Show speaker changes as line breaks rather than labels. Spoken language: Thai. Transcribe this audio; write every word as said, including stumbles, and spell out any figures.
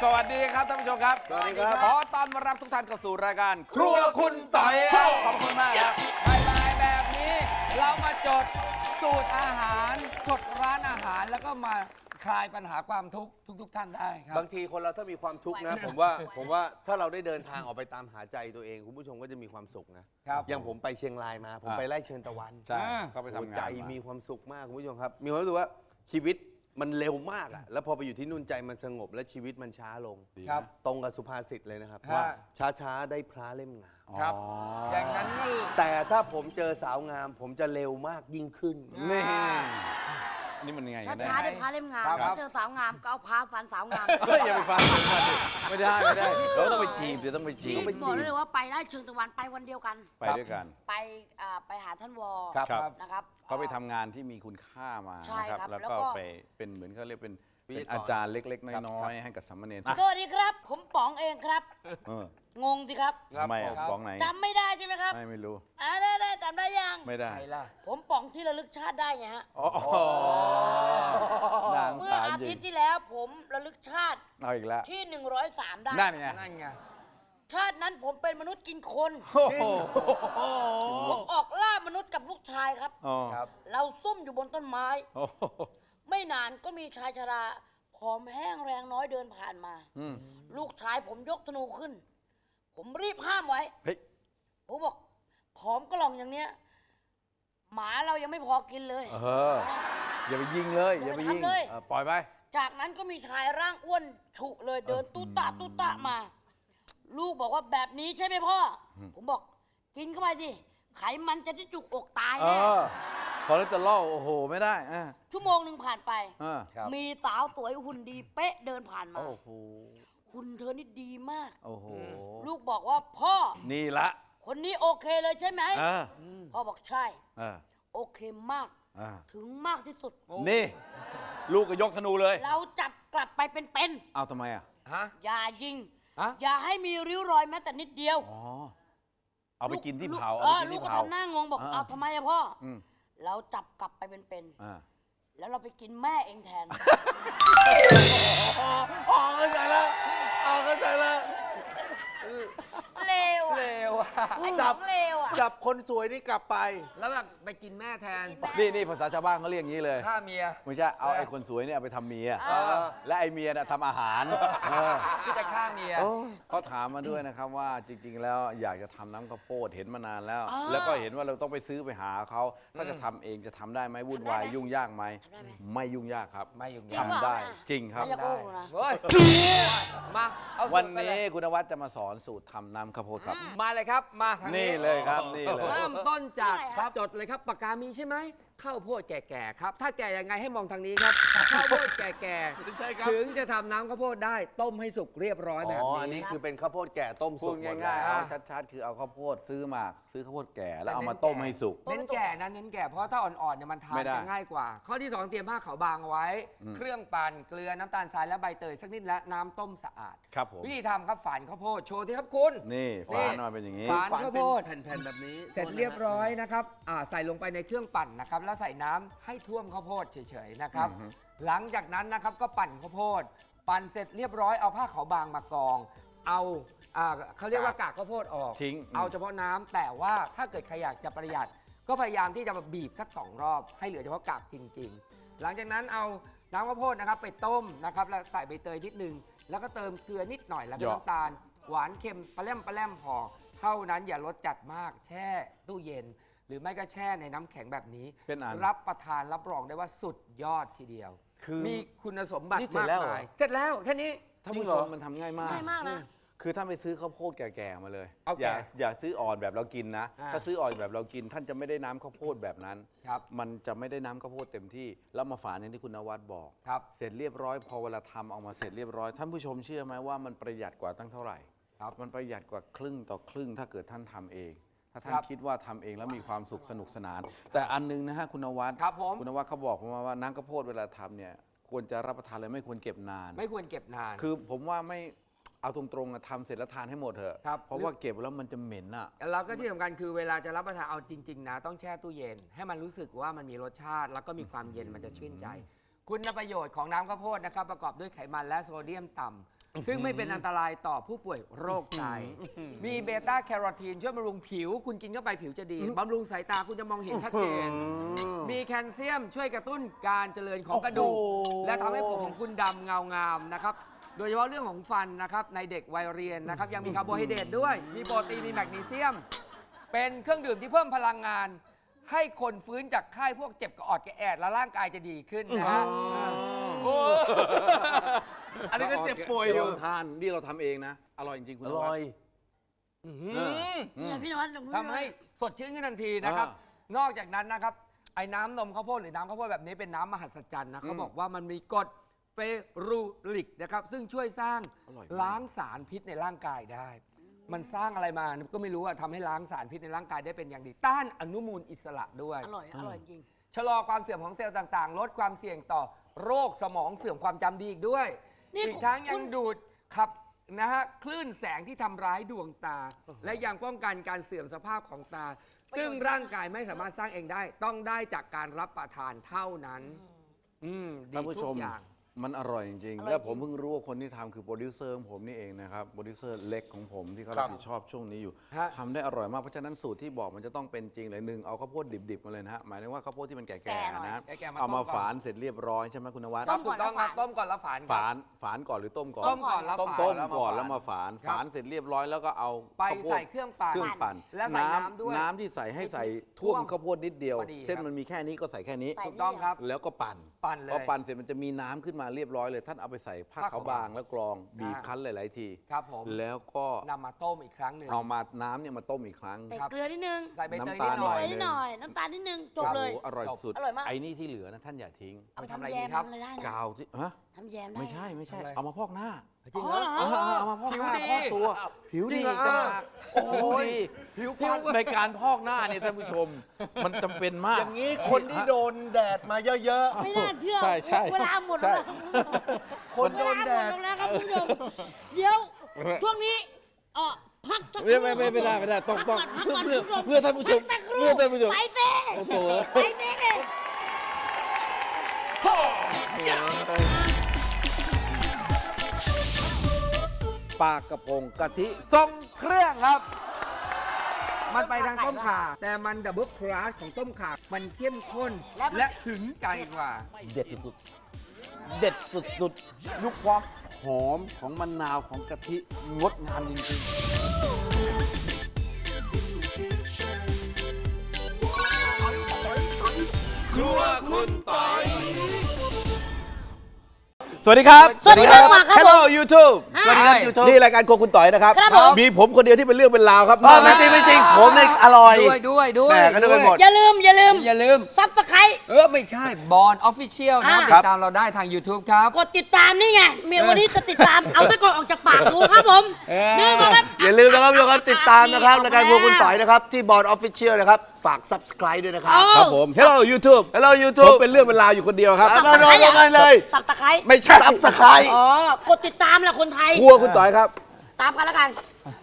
สวัสดีครับท่านผู้ชมครับ
สวัสดีครับ
ขอต้อนรับทุกท่านเข้าสู่รายการครัวคุณต่อยครับขอบคุณมากครับบ่ายๆแบบนี้เรามาจดสูตรอาหารจดร้านอาหารแล้วก็มาคลายปัญหาความทุกข์ทุกๆท่านได้ครับ
บางทีคนเราถ้ามีความทุกข์นะ ผมว่าผมว่าถ้าเราได้เดินทางออกไปตามหาใจตัวเองคุณผู้ชมก็จะมีความสุขนะครับ อย่างผมไปเชียงรายมา ผม
อ่า
ไปไล่เชิญตะวัน
ใช่เขาไป
โอ้
ทำงาน
ใจ
มา
มีความสุขมากคุณผู้ชมครับ มีความรู้สึกว่าชีวิตมันเร็วมากอะแล้วพอไปอยู่ที่นู่นใจมันสงบและชีวิตมันช้าลง
ครับ
ตรงกับสุภาษิตเลยนะครับ
ฮะ
ว่าช้าๆได้พระเล่มงาม
ครับ
อ๋อ
อ
อย่าง
นั้นก็
แต่ถ้าผมเจอสาวงาม ผมจะเร็วมากยิ่งขึ้น
นี่นี่มันยังไง
ช้า
กันแน่
ช้าๆได้พาเล่มงาม
ครับ
ถ้าเจอสาวงามก็เอาพาฟันสาวงาม
เฮ้ยอย่าไปฟังไม่ได้ไม่ได้เราต้องไปจีบเดี๋ยวต้องไปจี
นี่
บ
บอกได้เลยว่าไปได้เชิงตะวันไปวันเดียวกัน
ไปด้วยกัน
ไปอ่าไปหาท่านวอ
ครับ
ครับ
นะครับ
เขาไปทำงานที่มีคุณค่ามา
ใช่
นะครับ
ครับ
แล้ว
แล้ว
ก็
ก็
ไปเป็นเหมือนเขาเรียกเป็น
วิท
เป็น
ยากร
อาจารย์เล็กๆ
ครับ
น้อยๆให้กับสามเณร
สวัสดีครับ ผมป๋องเองครับ
เออ
งงสิครับ
ครับ
ทำไมอะ
ผม
บ้องไหน
จำไม่ได้ใช่ไหมครับ
ไม่ไม่รู้
อ่าได้ได้จำได้ยัง
ไม่ได้
ผมป๋องที่ระลึกชาติได้ไงฮะ
อ๋อนาง
เมื่อ
สาร
อา
จริ
ทิต
ง
ย์ที่แล้วผมระลึกชาติ
เอาอีกแล้ว
ที่หนึ่งร้อยสามได้
นั่นไง
นั่นไง
ชาตินั้นผมเป็นมนุษย์กินคน
โอ้โห
ผมออกล่ามนุษย์กับลูกชายครับ
อ๋อ
ครับ
เราซุ่มอยู่บนต้นไม้
โอ้โห
ไม่นานก็มีชายชราผอมแห้งแรงน้อยเดินผ่านมา
อืม
ลูกชายผมยกธนูขึ้น ผมรีบห้ามไว้
เฮ้ย
ผมบอกผอมกล่องอย่างเนี้ย หมาเรายังไม่พอกินเลย
เอออย่าไปยิงเลยอย่าไปยิง
อย่าไปทำเลย
เออปล่อยไป
จากนั้นก็มีชายร่างอ้วนฉุเลยเดินตุ๊ตะตุ๊ตะมา ลูกบอกว่าแบบนี้ใช่ไหมพ่ออ
ม
ผมบอกกินเข้าไปสิไขมันจะได้จุกอกตาย
เอ
แน่
อคอเลสเตอรอลโอ้โหไม่ได้อ่ะ
ชั่วโมงหนึ่งผ่านไป
อ่า
ครับ
มีสาวสวยหุ่นดีเป๊ะเดินผ่านมา
โอ้โห
หุ่นเธอนี่ดีมาก
โอ้โห
ลูกบอกว่าพ่อ
นี่ละ
คนนี้โอเคเลยใช่ไหม
อ่า
พ่อบอกใช่
อ่า
โอเคมาก
อ่า
ถึงมากที่สุด
นี่ ลูกก็ยกธนูเลย
เราจับกลับไปเป็น
เอาทำไมอ่ะ
ฮะ
ๆอย่ายิง
ฮะ
อย่าให้มีริ้วรอยแม้แต่นิดเดียว
อ๋อ เอาไปกินที่
ลู
เผา
เอ
เอา
อ
ไปกิน
ลูก
ที่
ก็
เผา
ทำหน้างงบอก
อ่า
เอาทำไมอะพ่ออ
อืม
เราจับกลับไปเป็น
อ่า
ๆแล้วเราไปกินแม่เองแทน
อ๋อเข้าใจแล้วอ๋อเข้าใจแล้ว
เลวอะ
เลวอ่ะ
ไอ้
จั
จั
บ
บเลวอะ
จับคนสวยนี่กลับไป
แล้วแบบไปกินแม่แทน
นี่นี่ภาษาชาวบ้านเขาเรียกอย่างนี้เลย
ฆ่าเมีย
ไม่ใช่ เอาไอ้คนสวยเนี่ยเอาไปทำเมีย
อ่า
และไอ้เมียน่ะทำอาหารเออ
ที่จะฆ่าเมีย
เขาถามมาด้วยนะครับว่าจริง ๆ แล้วอยากจะทำน้ำข้าวโพดเห็นมานานแล้ว
อ่า
แล้วก็เห็นว่าเราต้องไปซื้อไปหาเขาถ้าจะทำเองจะทำได้ไหมวุ่นวาย
ทำได้ไหม
ยุ่งยากไหม
ทำได้ไหม
ไม่ยุ่งยากครับ
ไม่ยุ่ง
จริ
ยาก
งเปล่า
ทำได้
นะ
จริงครับ
ไม่อยากโอ้นะ
เฮ้ย มาเอาสู
วัน
ตรไปเล
นี้
ย
คุณนวัดจะมาสอนสูตรทำน้ำข้าวโพดครับ
มาเลยครับ มาทาง
นี่เลยครับนี่เลย
เริ่มต้นจาก
ได้ครับ
จดเลยครับปากกามีใช่ไหมข้าวโพดแก่ๆครับ ถ้าแก่ยังไงให้มองทางนี้ครับ ข้าวโพดแก่
ใช่ครับ
ๆถึงจะทำน้ำข้าวโพดได้ต้มให้สุกเรียบร้อยแบบ
อ๋อ
นี้
อันนี้คือเป็นข้าวโพดแก่ต้ม
พู
สุ
ด
กหมด
ง่ายๆ
แล้
เอา
ว
ชัดๆ คือเอาข้าวโพดซื้อมาซื้อข้าวโพดแก่แล้ว
แต่
เอามา
เน้น
ต้ม
แก่
ให้สุก
เน้นแก่นะเน้นแก่เพราะถ้าอ่อนๆเนี่ยมันทาน
ไม่ได้
จะง่ายกว่า ข้อที่สองเตรียมผ้าขาวบางเอาไว้
อืม
เครื่องปั่นเกลือน้ำตาลทรายและใบเตยสักนิดและน้ำต้มสะอาด
ครับผม
วิธีทำครับฝานข้าวโพดโชว์ที่ครับคุณ
นี่
นี่
ฝานมาเป็นอย่างนี้
ฝาน
ฝัน
ข้าว
เป็
โพ
น
ด
แผ่นๆแบบนี้
เสร็จเรียบร้อยนะครับอ่าใส่ลงไปในเครื่องปั่นนะครับ แล้วใส่น้ำให้ท่วมข้าวโพดเฉยๆนะครับ
อือฮึ
หลังจากนั้นนะครับก็ปั่นข้าวโพด ปั่นเสร็จเรียบร้อยเอาผ้าขาวบางมากอง เอาอ่าเขาเรียกว่ากากข้าวโพดออก
ทิ้ง
เอาเฉพาะน้ำแต่ว่าถ้าเกิดใครอยากจะประหยัด ก็พยายามที่จะมาบีบสักสองรอบ ให้เหลือเฉพาะกากจริง ๆ หลังจากนั้นเอาน้ำข้าวโพดนะครับไปต้มนะครับแล้วใส่ใบเตยนิดนึงแล้วก็เติมเกลือนิดหน่อยแล้วก็
เหยาะ
น้ำตาลหวานเค็มปลาแรมปลาแรมพอ เท่านั้นอย่ารสจัดมาก แช่ตู้เย็น หรือไม่ก็แช่ในน้ำแข็งแบบนี้
เป็นอัน
รับประทานรับรองได้ว่าสุดยอดทีเดียว
คือ
มีคุณสมบัติ
นี่เสร็จ
มาก
แล้วเหรอ
มายเสร็จแล้วแค่นี้
ท่าน
จริ
ผู้
งเห
ช
รอ
มมันทำง่ายมาก
ง่ายมากนะ
คือถ้าไปซื้อข้าวโพดแก่ๆมาเลย
เอา
อย่า
แก่
อย่าซื้ออ่อนแบบเรากินนะ
อ่า
ถ้าซื้ออ่อนแบบเรากิน ท่านจะไม่ได้น้ำข้าวโพดแบบนั้น
ครับ
มันจะไม่ได้น้ำข้าวโพดเต็มที่ แล้วมาฝานอย่างที่คุณนวัดบอก
ครับ
เสร็จเรียบร้อยพอเวลาทำออกมาเสร็จเรียบร้อย ท่านผู้ชมเชื่อไหมว่ามันประหยัดกว่าตั้งเท่าไหร่
ครับ
มันประหยัดกว่าครึ่งต่อครึ่งถ้าเกิดท่านทำเอง ถ้าท่าน
ครับ
คิดว่าทำเองแล้วมีความสุขสนุกสนาน แต่อันนึงนะฮะคุณนวัด
ครับผม
คุณนวัดเขาบอกผมมาว่าน้ำข้าวโพดเวลาทำเนี่ยควรจะรับประทานเลยไม่ควรเก็บนาน
ไม่ควรเก็บนาน
คือผมว่าไม่เอาตรงๆอะทำเสร็จแล้วทานให้หมดเถอะ
ครับ
เพราะว่าเก็บแล้วมันจะเหม็นอ่ะ
แล้วก็ที่สำคัญคือเวลาจะรับประทานเอาจริง ๆ นะ ต้องแช่ตู้เย็น ให้มันรู้สึกว่ามันมีรสชาติ แล้วก็มีความเย็นมันจะชื่นใจ คุณประโยชน์ของน้ำข้าวโพดนะครับ ประกอบด้วยไขมันและโซเดียมต่ซึ่งไม่เป็นอันตรายต่อผู้ป่วยโรคไตมีเบต้าแคโรทีนช่วยบำรุงผิว คุณกินเข้าไปผิวจะดีบำรุงสายตาคุณจะมองเห็นชัดเจน มีแคลเซียมช่วยกระตุ้นการเจริญของกระดูก และทำให้ผมของคุณดำเงางามนะครับ โดยเฉพาะเรื่องของฟันนะครับในเด็กวัยเรียนนะครับยังมีคาร์โบไฮเดรตด้วย มีโปรตีนมีแมกนีเซียม เป็นเครื่องดื่มที่เพิ่มพลังงาน ให้คนฟื้นจากไข้พวกเจ็บกระออดกระแอดและร่างกายจะดีขึ้นนะฮะโอ้
อันนี้ก็เจ็บป่วยอยู่
ทานนี่เราทำเองนะ อร่อยจริงๆคุณ
อน
วั
ร่
ด
อย
เนี่ยพี่นวัด
ทำให้สดชื่นขึ้นทันทีนะครับ นอกจากนั้นนะครับ ไอ้น้ำนมข้าวโพดหรือน้ำข้าวโพดแบบนี้เป็นน้ำมหัศจรรย์นะเขาบอกว่ามันมีกรดเฟรูริกนะครับซึ่งช่วยสร้างล้างสารพิษในร่างกายได้ มันสร้างอะไรมาก็ไม่รู้อะทำให้ล้างสารพิษในร่างกายได้เป็นอย่างดี ต้านอนุมูลอิสระด้วย
อร่อย อร่อยจริง
ชะลอความเสื่อมของเซลล์ต่างๆ ลดความเสี่ยงต่อโรคสมองเสื่อมความจำดีอีกด้วย
นี่
อีกทั้งยั
คุ
ง
ณ
ดูดขับนะฮะคลื่นแสงที่ทำร้ายดวงตา และยังป้องกันการเสื่อมสภาพของตา ซึ่งร่างกายไม่สามารถสร้างเองได้ ต้องได้จากการรับประทานเท่านั้นอืมดี
ท่านผู้ช
ทุ
ม
กอย่าง
มันอร่อยจริง
อร่อย
ๆ แล้วผม
จริง
เพิ่งรู้ว่าคนที่ทำคือโปรดิวเซอร์ของผมนี่เองนะครับ โปรดิวเซอร์เล็กของผมที่เขา
ครั
รับบ ผิดชอบช่วงนี้อยู่
ฮะ
ทำได้อร่อยมาก เพราะฉะนั้นสูตรที่บอกมันจะต้องเป็นจริงเลยหนึ่งเอาข้าวโพดดิบๆมาเลยนะฮะ หมายถึงว่าข้าวโพดที่มันแก่ๆนะ
แก่ๆมา
เอามา
ต้มก่อน
ฝานเสร็จเรียบร้อยใช่ไหมคุณนวัด
ครับถูกต้องครับต้มก่อนแล้วฝานครับ
ฝานฝานก่อนหรือต้มก่อน
ต้มก่อนแล้ว
ต้ม
ฝาน
ต้ม
แล้วมา
ก่อน
ฝาน
แล้วมาฝาน
ครับ
ฝานเสร็จเรียบร้อยแล้วก็เอา
ไป
ข้าวโพด
ใส่เครื่องปั่น
เครื่องปั่น
และใส่น้ำด้วย
น้ำที่ใส่ให้ใส่ท่วม
ท่วม
ข้าวโพดนิดเดียว
พอดี
เส้น
ครับ
มันมีแค่นี้ก็ใส่แค่นี้
ใส่
ถูกต้องครับ
แล้วก็ปั่น
ปั่นเลย
พอปั่นเสร็จมันจะมีน้ำขึ้นมาเรียบร้อยเลย ท่านเอาไปใส่ผ้า
ผ้า
ขาว
ขาว
บางแล้วกรองบีบ
อ่า
คั้นหลาย ๆ ที
ครับผม
แล้วก็
นำมาต้มอีกครั้งหนึ่ง
เอามาน้ำเนี่ยมาต้มอีกครั้ง
ใส่
ครับ
เกลือนิดนึง
ใส่ใบเตย
น้ำ
นิ
ตา
ด
ล
หน่อย
หน่
นิดหน่อย น้ำตาลนิดนึง จบเลย
โอ้โหอร่อยสุด
อร่อยมาก
ไอ้นี่ที่เหลือนะท่านอย่าทิ้ง
เอาไปทำอะไร
แย
ดี
ม
ครับ
ทำอะไรได้นะ
กาวที่ฮะ
ทำแยมได้
ไม่ใช่ไม่ใช่
ทำอะไร
เอามาพอกหน้า
จริงเหรอ
อ๋อเหรอ
เอาเอามาพอก
ผิว
หน้า
ดี
พอกตัว ผิวดี
จริงเหรอ
จ้าโอ้โหดี
ผิว
ผิวในการพอกหน้าเนี่ยท่านผู้ชม มันจำเป็นมาก
อย่างนี้คนที่โดนแดดมาเยอะ
ไม่น่าเชื่อ
ใช่ใช่
เวลาหมดแล้วนะ
ๆ คนโดนแดด
เวลาหมดลงแล้วครับคุณผู้ชมเดี๋ยว ช่วงนี้เออพักสักค
ไม่
รู่
ไม่ไม่ไม่ได้ไม่ได้ต้องต้อง
พักก่อน
เพื่อ
พักก่อน
เพื่อท่านผู้ชม
พักสักครู่
เพื่อท่านผู้ชม
ไปเซ่
โอ้โห
ไปเซ่
ปลากระพงกะทิ
ทรงเครื่องครับ มันไปทางต้มข่า แต่มันดับเบิลคลาสของต้มข่า มันเข้มข้น และถึงใจกว่า
เด็ดสุดๆเด็ดสุดๆยุคความหอมของมะนาวของกะทิงดงามจริงๆ
ครัวคุณปอย
สวัสดีครับ
สวัสดีครับมาครับ
Hello YouTube
สวัสดีครับ
YouTube นี่รายการโครัวคุณต่อยนะครับ
ครับผม
มีผมคนเดียวที่เป็นเรื่องเป็นราวครับ
อ๋อไม่จริงไม่จริง ผมเนี่ยอร่อย
ด้วยด้วยด้วย
แม่ก็นึกไปหมด
อย่าลืม อย่าลืม
อย่าลืม
ซับสไคร
เออ ไม่ใช่บอลออฟฟิเชียลนะ
อ่า
ติดตามเราได้ทาง YouTube ครับ
กดติดตามนี่ไง เมียวันนี้จะติดตาม เอาตะกอนออกจากปากกูครับผม
เออ
นี่ก็ครับ
อย่าลืมนะครับทุกคนติดตามนะครับรายการครัวคุณต่อยนะครับ ที่บอร์ดออฟฟิเชียลนะครับ ฝาก Subscribe ด้วยนะครับ
เออ
ครับผม Hello YouTube
Hello
ผม
YouTube
เป็นเรื่องเป็นราวอยู่คนเดียวครับ
เอามาลงกันเลย
สับตะไคร้
ไม่ใช่
Subscribe
อ๋อ กดติดตามแหละคนไทย
ครัวคุณต่อยครับ
ตามกันแล้วกัน